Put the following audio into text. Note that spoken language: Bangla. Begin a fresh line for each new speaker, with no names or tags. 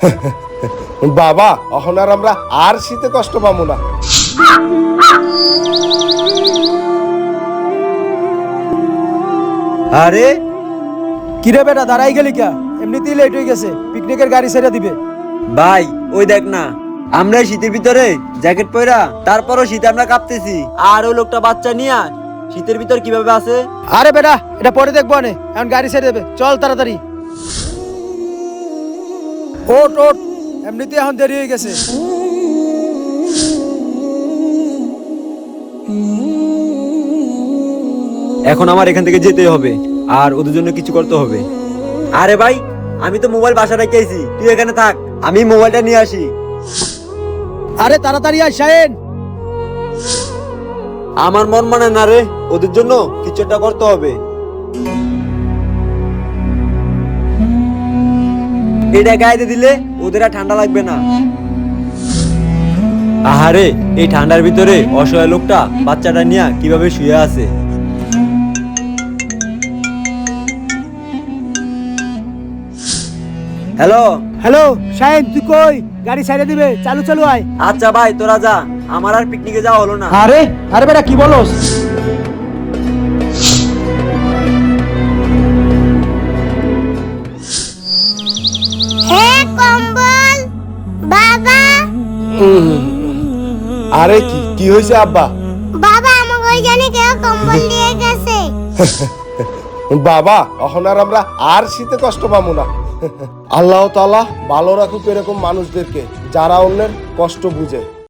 বাবা এখন আর আমরা আর শীতে কষ্ট পাবো না।
আরে
কিরে বেটা দাঁড়াই গেলি কা? এমনিতেই লেট হয়ে গেছে, পিকনিকের গাড়ি ছেড়ে দিবে।
ভাই ওই দেখ না, আমরা শীতের ভিতরে জ্যাকেট পরা, তারপরও শীতে আমরা কাঁপতেছি, আর ওই লোকটা বাচ্চা নিয়ে শীতের ভিতর কিভাবে আছে?
আরে বেটা এটা পরে দেখবো নে, এখন গাড়ি ছেড়ে দেবে, চল তাড়াতাড়ি। ওট ওট, এমনিতেই এখন দেরি হয়ে গেছে।
এখন আমার এখান থেকে যেতে হবে, আর ওদের জন্য কিছু করতে হবে। আরে ভাই, আমি তো মোবাইল বাসা রেখে আইছি, তুই এখানে থাক, আমি মোবাইলটা নিয়ে আসি।
আরে তাড়াতাড়ি আয় শাহিন।
আমার মন মানে না রে, ওদের জন্য কিছু একটা করতে হবে। এটা গায়ে দিলে ওদের আর ঠান্ডা লাগবে না। আহারে, এই ঠান্ডার ভিতরে অসহায় লোকটা বাচ্চাটা নিয়ে কিভাবে শুয়ে আছে। হ্যালো
হ্যালো শাহিন, তুই কই? গাড়ি ছেড়ে দিবে, চালু চালু আয়।
আচ্ছা ভাই, তোরা যা, আমার আর পিকনিকে যাওয়া হলো না।
আরে আরে বেটা কি বলস?
কম্বল বাবা।
আরে কি কি হয়েছে আব্বা?
বাবা আমাকে ওই জানি কেউ কম্বল দিয়ে গেছে।
বাবা এখন আর আমরা আর শীতে কষ্ট পাবো না। আল্লাহ তাআলা ভালো রাখুক এরকম মানুষদেরকে যারা অন্যের কষ্ট বুঝে।